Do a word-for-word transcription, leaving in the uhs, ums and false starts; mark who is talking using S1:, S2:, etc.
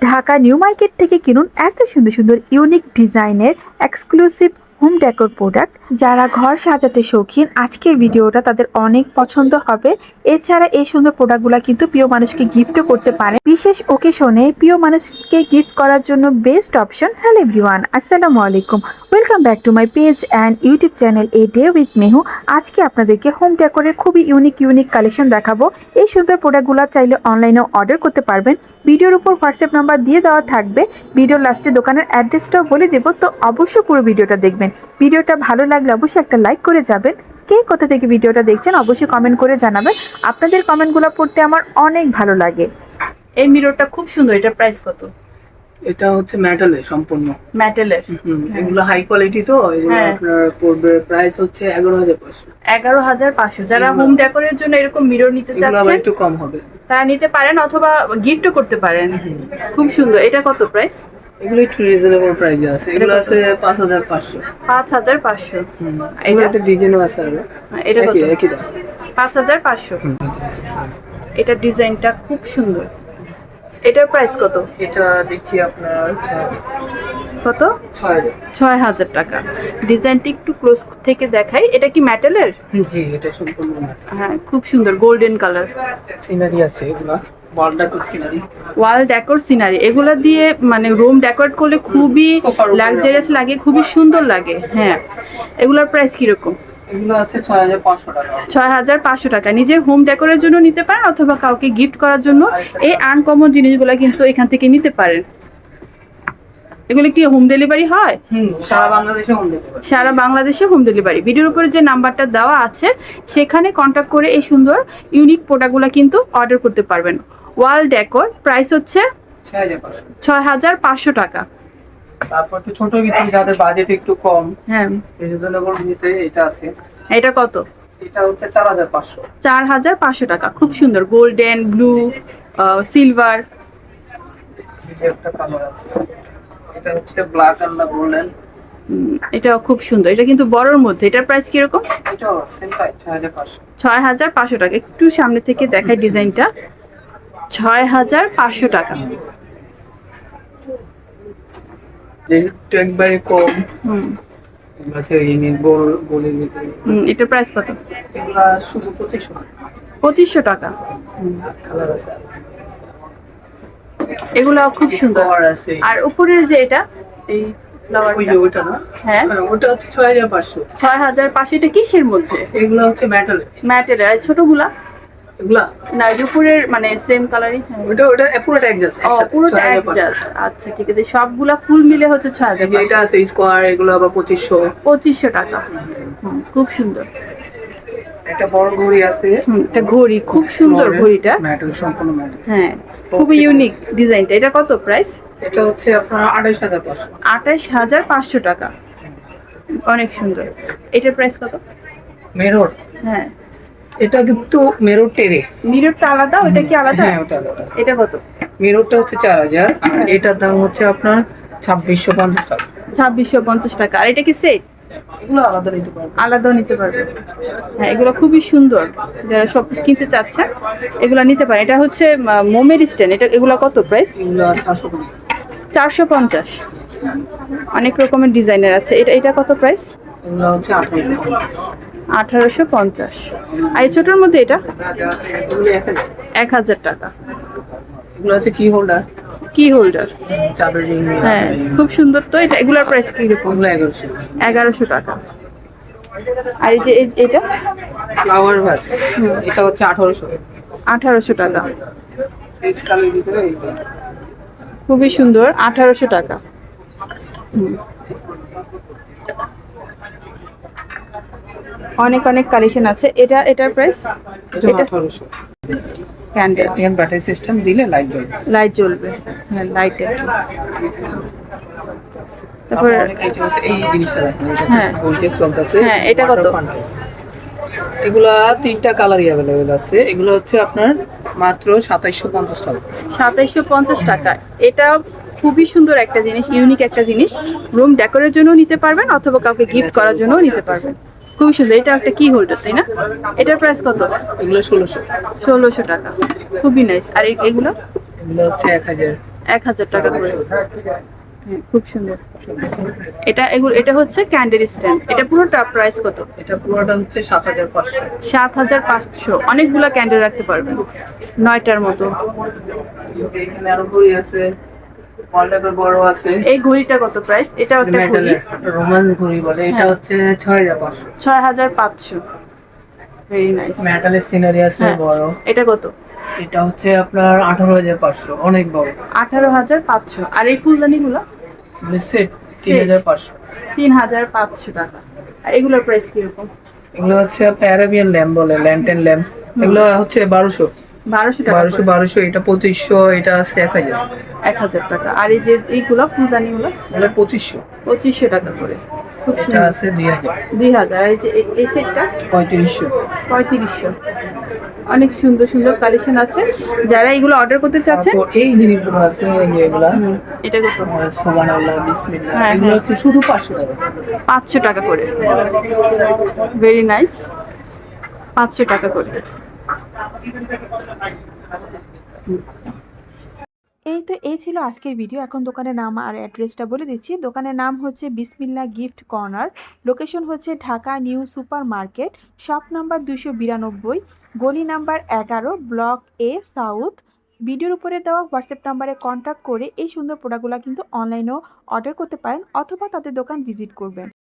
S1: Dhaka new market থেকে কিনুন এত সুন্দর সুন্দর ইউনিক ডিজাইনের এক্সক্লুসিভ হোম ডেকোর প্রোডাক্ট। যারা ঘর সাজাতে শৌখিন, আজকের ভিডিওটা তাদের অনেক পছন্দ হবে। এছাড়া এই সুন্দর প্রোডাক্টগুলো কিন্তু প্রিয় মানুষকে গিফটও করতে পারে। বিশেষ ওকেশনে প্রিয় মানুষকে গিফট করার জন্য বেস্ট অপশন। হ্যালো এভরিওয়ান, আসসালামু আলাইকুম, welcome back to my page and YouTube channel a day with Mehu. আজকে আপনাদেরকে হোম ডেকোরের খুবই ইউনিক ইউনিক কালেকশন দেখাবো। এই সুন্দর প্রোডাক্টগুলো চাইলে অনলাইনেও অর্ডার করতে পারবেন। ভিডিওর উপর হোয়াটসঅ্যাপ নাম্বার দিয়ে দেওয়া থাকবে। ভিডিওর লাস্টে দোকানের অ্যাড্রেসটাও বলে দেবো, তো অবশ্যই পুরো ভিডিওটা দেখবেন। ভিডিওটা ভালো লাগলে অবশ্যই একটা লাইক করে যাবেন। কে কোথা থেকে ভিডিওটা দেখছেন অবশ্যই কমেন্ট করে জানাবেন। আপনাদের কমেন্টগুলো পড়তে আমার অনেক ভালো লাগে। এই মিররটা খুব সুন্দর, এটা প্রাইস কত?
S2: এটা হচ্ছে মেটালের, সম্পূর্ণ
S1: মেটালের।
S2: এগুলো হাই কোয়ালিটি, তো এগুলো আপনার পড়বে প্রাইস হচ্ছে এগারো হাজার পাঁচশো।
S1: এগারো হাজার পাঁচশো। যারা হোম ডেকোরের জন্য এরকম মিরর নিতে চাচ্ছেন
S2: একটু কম হবে,
S1: তারা নিতে পারেন, অথবা গিফটও করতে পারেন। খুব সুন্দর। এটা কত প্রাইস?
S2: এগুলো একটু রিজনেবল প্রাইসে আছে। এগুলো আছে পাঁচ হাজার পাঁচশো।
S1: পাঁচ হাজার পাঁচশো।
S2: এগুলো একটা ডিজাইনও আছে। আর
S1: এটা কত?
S2: একই দাম,
S1: পাঁচ হাজার পাঁচশো। এটা ডিজাইনটা খুব সুন্দর। এটার প্রাইস কত?
S2: এটা দেখছি আপনার
S1: কত?
S2: ছয় হাজার।
S1: ছয় হাজার টাকা। ডিজাইনটি একটু ক্লোজ থেকে দেখাই। এটা কি মেটালের?
S2: জি, এটা সম্পূর্ণ metal।
S1: হ্যাঁ, খুব সুন্দর গোল্ডেন কালার।
S2: সিনারি আছে, এগুলা wall decor scenery.
S1: Wall decor scenery এগুলো দিয়ে মানে রুম ডেকোরেট করলে খুবই লাক্সারিয়াস লাগে, খুবই সুন্দর লাগে। হ্যাঁ, এগুলোর প্রাইস কিরকম?
S2: এগুলো আছে ছয় হাজার পাঁচশো টাকা।
S1: ছয় হাজার পাঁচশো টাকা। নিজের হোম ডেকোরের জন্য নিতে পারেন, অথবা কাউকে গিফট করার জন্য এই আনকমন জিনিসগুলো কিন্তু এখান থেকে নিতে পারেন। এগুলো কি হোম ডেলিভারি হয়?
S2: হুম, সারা বাংলাদেশে হোম ডেলিভারি।
S1: সারা বাংলাদেশে হোম ডেলিভারি। ভিডিওর উপরে যে নাম্বারটা দেওয়া আছে সেখানে কন্ট্যাক্ট করে এই সুন্দর ইউনিক প্রোডাক্টগুলো কিন্তু অর্ডার করতে পারবেন। ওয়াল ডেকোর প্রাইস হচ্ছে
S2: ছয় হাজার পাঁচশো।
S1: ছয় হাজার পাঁচশো টাকা।
S2: তারপর তো ছোট ভিতরে যাদের বাজেট একটু কম,
S1: হ্যাঁ,
S2: রিজনেবল ভিতরে এটা আছে।
S1: এটা কত?
S2: এটা হচ্ছে চার হাজার পাঁচশো।
S1: চার হাজার পাঁচশো টাকা। খুব সুন্দর গোল্ডেন, ব্লু, সিলভার।
S2: একটা কালার আছে, এটা হচ্ছে ব্ল্যাক এন্ড গোল্ডেন।
S1: এটাও খুব সুন্দর। এটা কিন্তু বড়র মধ্যে। এটার প্রাইস কিরকম?
S2: এটাও সেম প্রাইস, ছয় হাজার পাঁচশো।
S1: ছয় হাজার পাঁচশো টাকা। একটু সামনে থেকে দেখায় ডিজাইনটা। ছয় হাজার পাঁচশো টাকা।
S2: যেহেতু একবারে কম,
S1: হুম
S2: এগুলো আছে ইউনিক গোল গোলের ভিতরে।
S1: হুম এটার প্রাইস কত?
S2: এগুলা শুধু পঁচিশশো টাকা।
S1: পঁচিশশো টাকা।
S2: কালার আছে,
S1: এগুলো খুব সুন্দর।
S2: স্কোয়ার আছে।
S1: আর উপরের যে এটা, এই
S2: ওই যে ওইটা না,
S1: হ্যাঁ,
S2: ওটা হচ্ছে ছয় হাজার পাঁচশো।
S1: ছয় হাজার পাঁচশো। এটা কিসের মধ্যে?
S2: এগুলো হচ্ছে মেটালের।
S1: ম্যাটেরিয়াল। আর ছোটগুলা
S2: এগুলা
S1: না, এই উপরের মানে সেম কালারই।
S2: ওটা ওটা পুরোটা অ্যাডজাস্ট
S1: ও, পুরোটা অ্যাডজাস্ট। আচ্ছা, ঠিক আছে। সবগুলা ফুল মিলে হচ্ছে ছয় হাজার।
S2: এটা আছে স্কোয়ার, এগুলো আবার পঁচিশশো।
S1: পঁচিশশো টাকা। হুম, খুব সুন্দর।
S2: একটা বড় ঘড়ি আছে।
S1: হুম, এটা ঘড়ি খুব সুন্দর। ঘড়িটা
S2: মেটাল, সম্পূর্ণ মেটাল।
S1: হ্যাঁ, খুবই ইউনিক ডিজাইনটা। এটা কত প্রাইস?
S2: এটা হচ্ছে আপনার আঠাশ হাজার পাঁচশো।
S1: আঠাশ হাজার পাঁচশো টাকা। অনেক সুন্দর। এটার প্রাইস কত?
S2: মেরর,
S1: হ্যাঁ,
S2: এটা কিন্তু মেরর টেরে।
S1: মিররটা আলাদা, ওটা কি আলাদা?
S2: হ্যাঁ, ওটা আলাদা।
S1: এটা কত?
S2: মেররটা হচ্ছে চার হাজার, আর এটার দাম হচ্ছে আপনার ছাব্বিশশো পঞ্চাশ টাকা।
S1: ছাব্বিশশো পঞ্চাশ টাকা। আর এটা কি সেট?
S2: এগুলো আলাদা নিতে পারবেন।
S1: আলাদাও নিতে পারবে। হ্যাঁ, এগুলো খুবই সুন্দর। যারা সব কিনতে চাচ্ছেন এগুলো নিতে পারেন। এটা হচ্ছে আহ, মোমের স্ট্যান্ড। এটা এগুলো কত প্রাইস?
S2: এগুলো চারশো পঞ্চাশ।
S1: চারশো পঞ্চাশ। অনেক রকমের ডিজাইনের আছে। এটা এটা কত প্রাইস?
S2: এগুলো হচ্ছে আঠারোশো পঞ্চাশ।
S1: আঠারোশো পঞ্চাশ। আর এই ছোটোর মধ্যে এটা
S2: এগুলো এক হাজার।
S1: এক হাজার টাকা।
S2: এগুলো আছে কি হোল্ডার,
S1: কি হোল্ডার।
S2: চাদর রিং।
S1: হ্যাঁ, খুব সুন্দর। তো এটা এগুলোর প্রাইস কিরকম?
S2: এগুলো এগারোশো।
S1: এগারোশো টাকা। আর এই যে এই- এটা
S2: ফ্লাওয়ার ভাস, এটা হচ্ছে আঠারোশো।
S1: আঠারোশো টাকা।
S2: স্কালের ভিতরে এইটা।
S1: খুবই সুন্দর। আঠারোশো টাকা। হুম। অনেক অনেক কালেকশন আছে। এটা এটার প্রাইস?
S2: এটা
S1: এটা
S2: আঠারোশো।
S1: ক্যান্ডেল।
S2: এখানে ব্যাটারি সিস্টেম দিলে লাইট জ্বলবে।
S1: লাইট জ্বলবে। হ্যাঁ, লাইট আর কি।
S2: তারপর
S1: তারপর
S2: অনেক আইটেম আছে। এই জিনিসটা দেখেন, এটা
S1: হ্যাঁ।
S2: গোলচেস চলতেছে।
S1: হ্যাঁ, এটা কত?
S2: এগুলা তিনটা কালারই অ্যাভেলেবেল আছে। এগুলো হচ্ছে আপনার মাত্র সাতাইশশো পঞ্চাশ টাকা।
S1: সাতাইশশো পঞ্চাশ টাকা। এটা খুবই সুন্দর একটা জিনিস, ইউনিক একটা জিনিস। রুম ডেকোরের জন্য নিতে পারবেন, অথবা কাউকে গিফট করার জন্য নিতে পারবেন। খুবই সুন্দর। এটা একটা কি হোল্ডার, তাই না? এটার প্রাইস কত?
S2: এগুলো ষোলোশো।
S1: ষোলোশো টাকা। খুবই নাইস। আর এই- এগুলো
S2: এগুলো হচ্ছে এক হাজার।
S3: এক হাজার টাকা করে। হ্যাঁ, খুব সুন্দর। এটা এগুলো এটা হচ্ছে ক্যান্ডেল স্ট্যান্ড। এটা পুরোটা প্রাইস কত?
S2: এটা পুরোটা হচ্ছে সাত হাজার পাঁচশো।
S3: সাত হাজার পাঁচশো। অনেকগুলো ক্যান্ডেল রাখতে পারবেন, নয়টার মতো।
S2: এখানে আরো ঘড়ি আছে, ওয়ালটার বড় আছে।
S3: এই ঘড়িটা কত প্রাইস? এটাও একটা ঘড়ি,
S2: মেটালের রোমান ঘড়ি বলে। এটা
S3: হ্যাঁ।
S2: হচ্ছে ছয় হাজার পাঁচশো।
S3: ছয় হাজার পাঁচশো। Very nice.
S2: মেটালের সিনারি আছে
S3: হ্যাঁ,
S2: বড়।
S3: এটা কত?
S2: এটা হচ্ছে আপনার আঠারো হাজার পাঁচশো, অনেক বড়।
S3: আঠারো হাজার পাঁচশো। আর এই ফুলদানিগুলো?
S2: সেট তিন হাজার পাঁচশো।
S3: তিন হাজার পাঁচশো টাকা। আর এগুলোর প্রাইস কিরকম?
S2: এগুলো হচ্ছে আপনার অ্যারাবিয়ান ল্যাম্প বলে, ল্যান্টেন ল্যাম্প। এগুলো হচ্ছে বারোশো।
S3: বারোশো টাকা
S2: বারোশো
S3: করে।
S2: বারোশো এটা পঁচিশশো, এটা আছে এক হাজার।
S3: এক হাজার টাকা। আর এই যে এইগুলো ফুলদানিগুলো?
S2: এগুলো পঁচিশশো।
S3: পঁচিশশো টাকা করে। খুব
S2: এটা
S3: সুন্দর।
S2: আছে দুই হাজার।
S3: দুই হাজার। আর এই যে এ- এই সেটটা?
S2: পঁয়ত্রিশশো।
S3: পঁয়ত্রিশশো। অনেক সুন্দর সুন্দর কালেকশন আছে। যারা এগুলো অর্ডার করতে চাচ্ছেন,
S2: তারপর এই জিনিসগুলো আছে, এই যে এগুলা
S3: হুম, এটা কত?
S2: সুবহানাল্লাহ বিসমিল্লাহ,
S3: হ্যাঁ,
S2: এগুলো
S3: হ্যাঁ।
S2: হচ্ছে শুধু পাঁচশো টাকা।
S3: পাঁচশো টাকা করে। Very nice. পাঁচশো টাকা করে।
S1: এই তো এই ছিল আজকের ভিডিও। এখন দোকানের নাম আর অ্যাড্রেসটা বলে দিচ্ছি। দোকানের নাম হচ্ছে বিসমিল্লা গিফট কর্নার। লোকেশন হচ্ছে Dhaka new super market, shop number দুশো বিরানব্বই, গলি নাম্বার এগারো, ব্লক এ সাউথ। ভিডিওর উপরে দেওয়া হোয়াটসঅ্যাপ নাম্বারে কন্ট্যাক্ট করে এই সুন্দর প্রোডাক্টগুলো কিন্তু অনলাইনেও অর্ডার করতে পারেন অথবা তাদের দোকান ভিজিট করবেন।